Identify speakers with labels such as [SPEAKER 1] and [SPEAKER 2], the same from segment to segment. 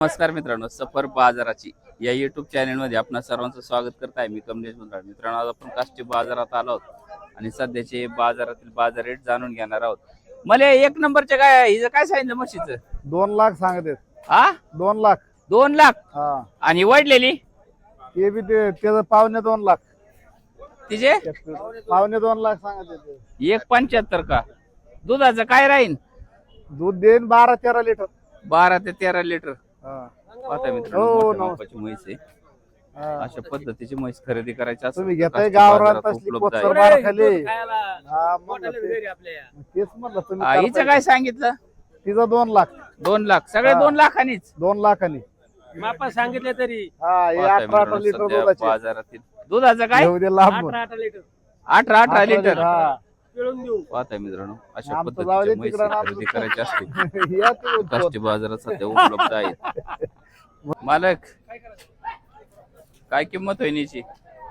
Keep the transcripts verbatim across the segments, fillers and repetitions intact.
[SPEAKER 1] नमस्कार मित्रांनो, सफर बाजाराची या युट्यूब चॅनल मध्ये आपणा सर्वांचं स्वागत करत आहे. मी कमलेश मुंद्रा. मित्रांनो, आज आपण काष्टी बाजारात आलो आहोत आणि सध्याचे बाजारातील बाजार रेट जाणून घेणार आहोत. मला एक नंबरचे काय हिचं काय सांगितलं म्हशीचं?
[SPEAKER 2] दोन लाख सांगते.
[SPEAKER 1] हा,
[SPEAKER 2] दोन लाख
[SPEAKER 1] दोन लाख
[SPEAKER 2] हा.
[SPEAKER 1] आणि वाढलेली
[SPEAKER 2] ते बी ते त्याचं पावणे दोन लाख
[SPEAKER 1] तिचे
[SPEAKER 2] पावणे दोन लाख सांगते.
[SPEAKER 1] एक पंच्याहत्तर का? दुधाचं काय राहीन?
[SPEAKER 2] दूध देईन बारा तेरा लिटर.
[SPEAKER 1] बारा ते तेरा लिटर.
[SPEAKER 2] हा.
[SPEAKER 1] पाहता मित्रांनो,
[SPEAKER 2] हो,
[SPEAKER 1] मोठ्या
[SPEAKER 2] नमस्कार.
[SPEAKER 1] मापाची म्हैस आहे.
[SPEAKER 2] हा.
[SPEAKER 1] अशा पद्धतीची म्हैस खरेदी करायची असेल
[SPEAKER 2] तुम्ही
[SPEAKER 1] तर
[SPEAKER 2] घेताय
[SPEAKER 1] काष्टी
[SPEAKER 2] गावरान
[SPEAKER 1] बाजारात
[SPEAKER 2] तसली
[SPEAKER 1] उपलब्ध
[SPEAKER 2] कोथर
[SPEAKER 1] आहे.
[SPEAKER 2] बार खाली. हा, म्हणलं ते- तेच म्हणलं तुम्ही
[SPEAKER 1] हा, हिचं
[SPEAKER 2] करताय.
[SPEAKER 1] काय सांगितलं?
[SPEAKER 2] तिचं दोन लाख
[SPEAKER 1] दोन लाख सगळे
[SPEAKER 2] हा.
[SPEAKER 1] दोन लाखांनीच.
[SPEAKER 2] दोन लाखांनी
[SPEAKER 3] मापा सांगितले तरी
[SPEAKER 2] हा हे
[SPEAKER 1] पाहता
[SPEAKER 2] अठरा अठरा
[SPEAKER 1] मित्रांनो,
[SPEAKER 2] लिटर
[SPEAKER 1] सध्या
[SPEAKER 2] दुधाचे
[SPEAKER 1] बाजारातील दुधाचं काय
[SPEAKER 2] घेऊ दे लांब
[SPEAKER 3] अठरा अठरा लिटर
[SPEAKER 1] अठरा अठरा लिटर.
[SPEAKER 2] हा.
[SPEAKER 3] पिळून देऊ.
[SPEAKER 1] पाहता मित्रांनो, अशा
[SPEAKER 2] आमचं जाऊ दे
[SPEAKER 1] पद्धतीच्या म्हैस
[SPEAKER 2] तिकडं,
[SPEAKER 1] खरेदी करायची असतील
[SPEAKER 2] या ते
[SPEAKER 1] काष्टी बाजारात सध्या उपलब्ध आहेत. मालक, काय किंमत होईल याची?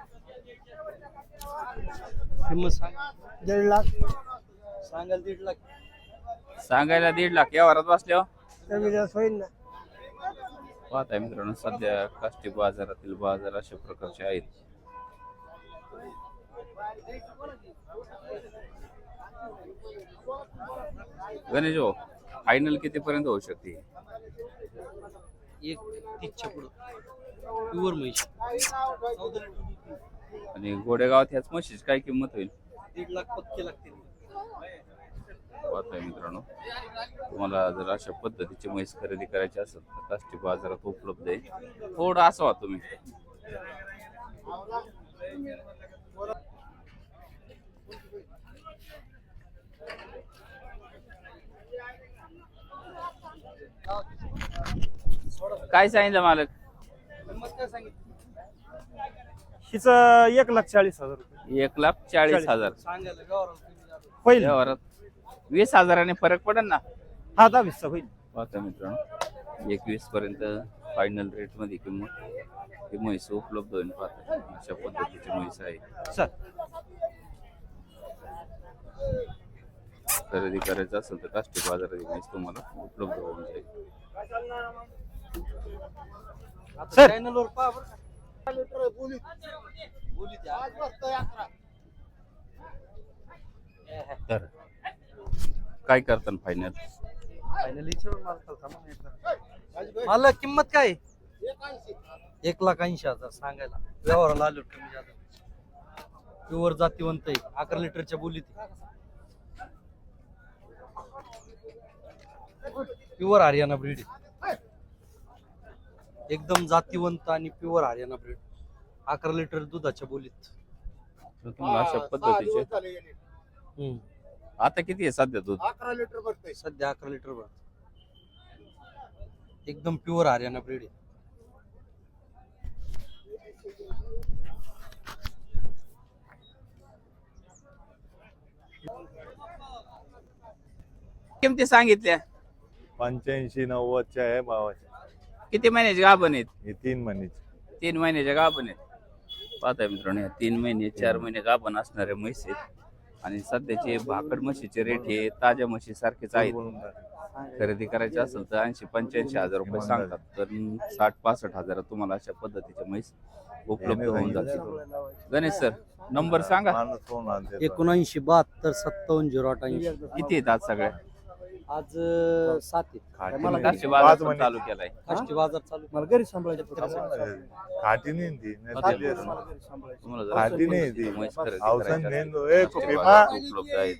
[SPEAKER 3] किंमत सांग. दीड लाख सांगाल दीड लाख
[SPEAKER 1] सांगायला दीड लाख या वरात बसल्यावर
[SPEAKER 3] कमी जास्त होईल ना.
[SPEAKER 1] पाहताय मित्रांनो, सध्या काष्टी बाजारातील बाजार अशा प्रकारचे आहेत. गणेश भाऊ, फायनल किती पर्यंत होऊ शकते?
[SPEAKER 3] एक तीसच्या पुढं प्युअर म्हैस
[SPEAKER 1] आणि गोडेगावात ह्याच म्हशीची काय किंमत होईल?
[SPEAKER 3] दीड लाख पक्के लागतील.
[SPEAKER 1] पाहताय मित्रांनो, तुम्हाला जर अशा पद्धतीची म्हैस खरेदी करायची असेल तर काष्टी बाजारात उपलब्ध आहे. थोडं असावा तुम्ही. काय सांगितलं मालक?
[SPEAKER 3] किंमत काय सांगितली?
[SPEAKER 4] हिचं एक लाख चाळीस हजार रुपये
[SPEAKER 1] एक लाख चाळीस हजार.
[SPEAKER 3] सांगायला गावाला कमी जास्त.
[SPEAKER 4] होईल.
[SPEAKER 1] व्यवहारात वीस हजाराने फरक पडेल ना?
[SPEAKER 4] हा दहावीसचा होईल.
[SPEAKER 1] पाहता मित्रांनो, एकवीस पर्यंत फायनल रेट मध्ये किंमत ही म्हैस उपलब्ध होईल. पाहता अशा पद्धतीची म्हैस आहे.
[SPEAKER 4] चल
[SPEAKER 1] खरेदी करायचं असेल तर काष्टी बाजारात म्हैस तुम्हाला उपलब्ध होऊन जाईल.
[SPEAKER 3] आता
[SPEAKER 4] सर.
[SPEAKER 3] चॅनलवर पहा बरं का. लिटर बोलीत बोलीत आज बसतोय अकरा.
[SPEAKER 1] तर काय करताना फायनल?
[SPEAKER 3] फायनली विचारून मालकाला थांबा ना एकदा. मला किंमत काय? एक लाख ऐंशी हजार सांगायला. व्यवहाराला आलो कमी जास्त. प्युअर जातीवंत आहे. अकरा लिटरच्या बोलीत प्युअर हरियाणा ब्रीड आहे. एकदम जातीवंत आणि प्युअर हरियाणा ब्रीड. अकरा लिटर दुधाच्या बोलीत.
[SPEAKER 1] तर तुम्हाला अशा पद्धतीचे
[SPEAKER 3] हम्म.
[SPEAKER 1] आता किती आहे सध्या दूध?
[SPEAKER 2] अकरा लिटर बसते.
[SPEAKER 3] सध्या अकरा लिटर भर. एकदम प्युअर हरियाणा ब्रीड आहे.
[SPEAKER 1] किमती सांगितल्या?
[SPEAKER 5] पंच्याऐंशी नव्वदच्या आहे भावाच्या.
[SPEAKER 1] किती महिन्याचे गाभण आहेत?
[SPEAKER 5] हे तीन महिन्याची.
[SPEAKER 1] तीन महिन्याच्या गाभण आहेत. पाहताय मित्रांनो, या तीन महिने चार महिने गाभण असणारे म्हैस आहेत आणि सध्याचे भाकड म्हशीचे रेट हे ताज्या म्हशी सारखेच आहेत. खरेदी करायची असेल तर ऐंशी पंच्याऐंशी हजार रुपये सांगतात, तर साठ पासष्ट हजार तुम्हाला अशा पद्धतीच्या म्हैस उपलब्ध होऊन जातील. गणेश सर, नंबर सांगा.
[SPEAKER 5] माणूस फोन आणते.
[SPEAKER 3] एकोणऐंशी बहात्तर सत्तावन्न झिरो आठ ऐंशी.
[SPEAKER 1] किती आहेत आज सगळ्या?
[SPEAKER 3] आज अं, सात आहेत.
[SPEAKER 5] खाटी
[SPEAKER 3] मला
[SPEAKER 5] नाही.
[SPEAKER 1] काष्टी
[SPEAKER 5] पाच
[SPEAKER 1] बाजार पण
[SPEAKER 5] महिने.
[SPEAKER 1] चालू केलाय.
[SPEAKER 3] काष्टी बाजार चालू.
[SPEAKER 4] मला घरी सांभाळायचं.
[SPEAKER 5] खाटी नाही ती. नाही
[SPEAKER 1] पाहताय
[SPEAKER 5] दिली असती.
[SPEAKER 1] मित्रांनो, तुम्हाला जर
[SPEAKER 5] खाटी
[SPEAKER 1] अशा
[SPEAKER 5] नाही
[SPEAKER 1] पद्धतीची
[SPEAKER 5] ती.
[SPEAKER 1] म्हैस खरेदी
[SPEAKER 5] औषध
[SPEAKER 1] करायची
[SPEAKER 5] नेन
[SPEAKER 1] असेल
[SPEAKER 5] दो.
[SPEAKER 1] तर
[SPEAKER 5] ए
[SPEAKER 1] काष्टी
[SPEAKER 5] कुपी
[SPEAKER 1] बाजारात
[SPEAKER 5] मा.
[SPEAKER 1] उपलब्ध आहेत.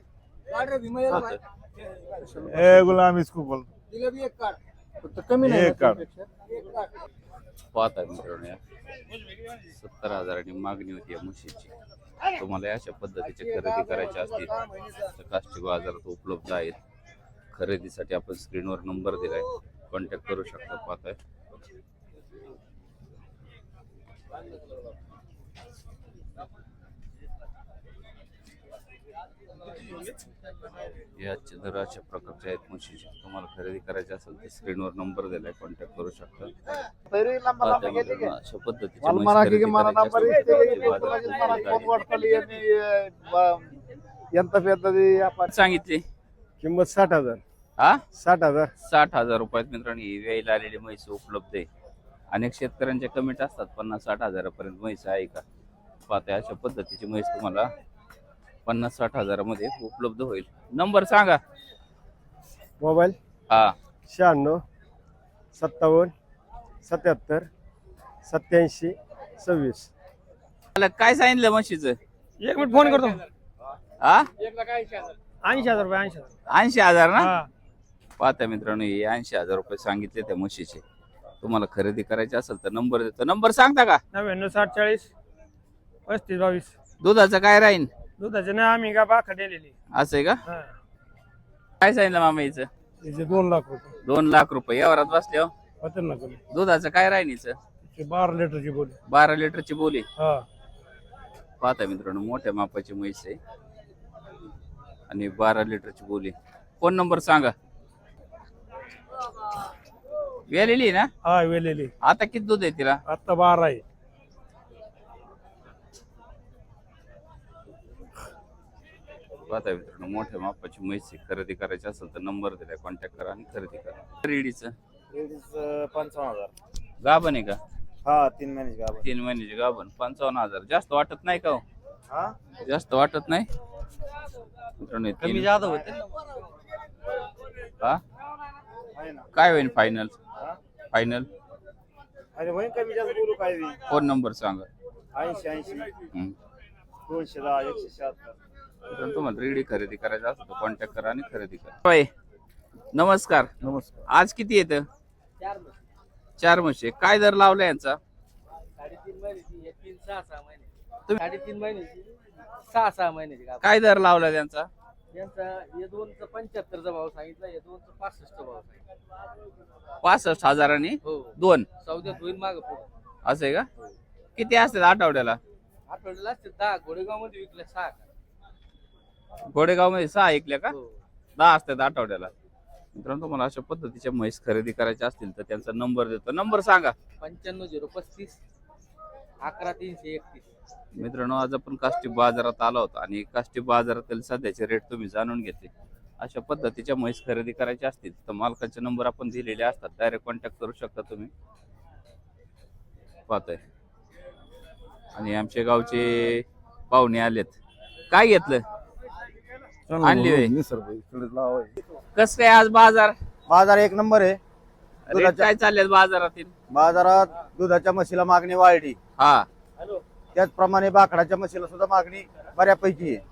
[SPEAKER 5] ए गुलाम इसको बोल.
[SPEAKER 4] कमी नाही
[SPEAKER 5] एक काढ.
[SPEAKER 1] पाहताय मित्रांनो, या सत्तर हजारांनी मागणी होती या म्हशीची. तुम्हाला अशा पद्धतीचे खरेदी करायचे असतील तर काष्टी बाजारात उपलब्ध आहेत. खरेदीसाठी आपण स्क्रीनवर नंबर दिलाय, कॉन्टॅक्ट करू शकता. पाहताय याचे दर अशा प्रकारचे आहेत म्हशीचे. तुम्हाला खरेदी करायचे असेल तर स्क्रीनवर नंबर दिलाय, कॉन्टॅक्ट करू शकता.
[SPEAKER 2] तरी लंबा लंबा
[SPEAKER 1] पाहताय
[SPEAKER 2] गेली की
[SPEAKER 1] मित्रांनो, अशा पद्धतीचे
[SPEAKER 2] मला
[SPEAKER 1] म्हैस
[SPEAKER 2] म्हणा
[SPEAKER 1] खरेदी
[SPEAKER 2] की मला
[SPEAKER 1] करायची
[SPEAKER 2] नंबर
[SPEAKER 1] असेल तर
[SPEAKER 2] येते
[SPEAKER 1] काष्टी बाजारात
[SPEAKER 2] मला
[SPEAKER 1] उपलब्ध
[SPEAKER 2] फोन
[SPEAKER 1] आहेत.
[SPEAKER 2] वाटली आणि ब- ఎంత పెద్దది आपण
[SPEAKER 1] सांगितले
[SPEAKER 2] किंमत साठ हजार
[SPEAKER 1] हा
[SPEAKER 2] साठ हजार
[SPEAKER 1] साठ हजार रुपयात मित्रांनो ही वेळेला आलेली म्हैस उपलब्ध आहे. अनेक शेतकऱ्यांचे कमेंट असतात पन्नास साठ हजारापर्यंत म्हैस आहे का. पाहता अशा पद्धतीची म्हैस तुम्हाला पन्नास साठ हजारामध्ये उपलब्ध होईल. नंबर सांगा.
[SPEAKER 2] मोबाईल
[SPEAKER 1] हा
[SPEAKER 2] शहाण्णव सत्तावन्न सत्याहत्तर सत्याऐंशी सव्वीस.
[SPEAKER 1] मला काय सांगितलं म्हशीचं?
[SPEAKER 4] एक मिनिट फोन करतो.
[SPEAKER 1] हा
[SPEAKER 4] ऐंशी हजार रुपये ऐंशी हजार
[SPEAKER 1] ऐंशी हजार ना.
[SPEAKER 4] हा.
[SPEAKER 1] पाहता मित्रांनो हे ऐंशी हजार रुपये सांगितले त्या म्हशीचे. तुम्हाला खरेदी करायची असेल तर नंबर देतो. नंबर सांगता का?
[SPEAKER 4] नव्याण्णव साठ चाळीस पस्तीस बावीस.
[SPEAKER 1] दुधाचं काय राहीन
[SPEAKER 4] दुधाचे नाही आम्ही का बाखा दिलेली.
[SPEAKER 1] असं आहे का? काय सांगितलं मामा हिचं?
[SPEAKER 4] त्याचे दोन लाख रुपये
[SPEAKER 1] दोन लाख रुपये यावरात बसले.
[SPEAKER 4] होते ना कमी.
[SPEAKER 1] दुधाचं काय राहीन हिचं?
[SPEAKER 4] ते बारा लिटरची बोली.
[SPEAKER 1] बारा लिटरची बोली.
[SPEAKER 4] हा.
[SPEAKER 1] पाहता मित्रांनो मोठ्या मापाची म्हैस आहे आणि बारा लिटरची बोली. फोन नंबर सांगा. वेलेली ना.
[SPEAKER 4] हा वेलेली.
[SPEAKER 1] आता किती दूध आहे तिला?
[SPEAKER 4] आता बारा आहे.
[SPEAKER 1] पाहता मित्रांनो मोठ्या मापाची म्हैस आहे. खरेदी करायची असेल तर नंबर दिलाय कॉन्टॅक्ट करा आणि खरेदी करा. रेडीचं
[SPEAKER 2] पंचावन्न हजार.
[SPEAKER 1] गाभण आहे का?
[SPEAKER 2] हा तीन महिन्याची गाभण.
[SPEAKER 1] तीन महिन्याची गाभण पंचावन्न हजार. जास्त वाटत नाही का हो?
[SPEAKER 2] हा
[SPEAKER 1] जास्त वाटत नाही मित्रांनो हे
[SPEAKER 3] कमी
[SPEAKER 1] तीन-
[SPEAKER 3] जादा होते ना.
[SPEAKER 1] हा
[SPEAKER 2] आहे ना.
[SPEAKER 1] काय होईल फायनल?
[SPEAKER 2] हा?
[SPEAKER 1] फायनल
[SPEAKER 2] अरे होईन कमी जास्त बोलू काय बी.
[SPEAKER 1] फोन नंबर सांगा.
[SPEAKER 2] ऐंशी ऐंशी
[SPEAKER 1] हम्म.
[SPEAKER 2] दोनशे दहा एकशे शहात्तर.
[SPEAKER 1] मित्रांनो, तुम्हाला रेडी खरेदी करायचं असेल तर कॉन्टॅक्ट करा आणि खरेदी करा. होय. नमस्कार.
[SPEAKER 2] नमस्कार.
[SPEAKER 1] आज किती येतं? चार म्हशी. काय दर लावला यांचा?
[SPEAKER 3] साडेतीन महिन्याची हे तीन सहा सहा महिने. तुम्ही साडेतीन महिन्याची सहा सहा महिन्याची का.
[SPEAKER 1] काय दर लावला त्यांचा?
[SPEAKER 3] यांचा हे दोनचा पंच्याहत्तरचा भाव सांगितला, हे दोनचा पासष्टचा भाव सांगितला.
[SPEAKER 1] पासष्ट हजारांनी
[SPEAKER 3] हो
[SPEAKER 1] दोन.
[SPEAKER 3] सौद्यात होईल माग पुढे.
[SPEAKER 1] असं आहे का? किती असतात आठवड्याला?
[SPEAKER 3] आठवड्याला असते दहा. गोडेगाव मध्ये विकल्या सहा का.
[SPEAKER 1] गोडेगाव मध्ये सहा ऐकल्या का?
[SPEAKER 3] हो.
[SPEAKER 1] दहा असतात आठवड्याला. मित्रांनो तुम्हाला अशा पद्धतीच्या म्हैस खरेदी करायच्या असतील तर त्यांचा नंबर देतो. नंबर सांगा.
[SPEAKER 3] पंच्याण्णव झिरो पस्तीस अकरा तीनशे एकतीस.
[SPEAKER 1] मित्रांनो आज आपण काष्टी बाजारात आलो होतो आणि काष्टी बाजारातील सध्याचे रेट तुम्ही जाणून घेतले. अशा पद्धतीच्या म्हैस खरेदी करायच्या असतील तर मालकाचे नंबर आपण दिलेले असतात. डायरेक्ट कॉन्टॅक्ट करू शकता तुम्ही. पाहतोय आणि आमच्या गावचे पाहुणे आलेत. काय घेतलं? आणली होय. कस काय आज बाजार?
[SPEAKER 2] बाजार एक नंबर आहे.
[SPEAKER 1] रेट काय चालले बाजारातील?
[SPEAKER 2] बाजारात दुधाच्या म्हशीला मागणी वाढली.
[SPEAKER 1] हा
[SPEAKER 2] त्याचप्रमाणे बाकडाच्या म्हशीला सुद्धा मागणी बऱ्यापैकी आहे.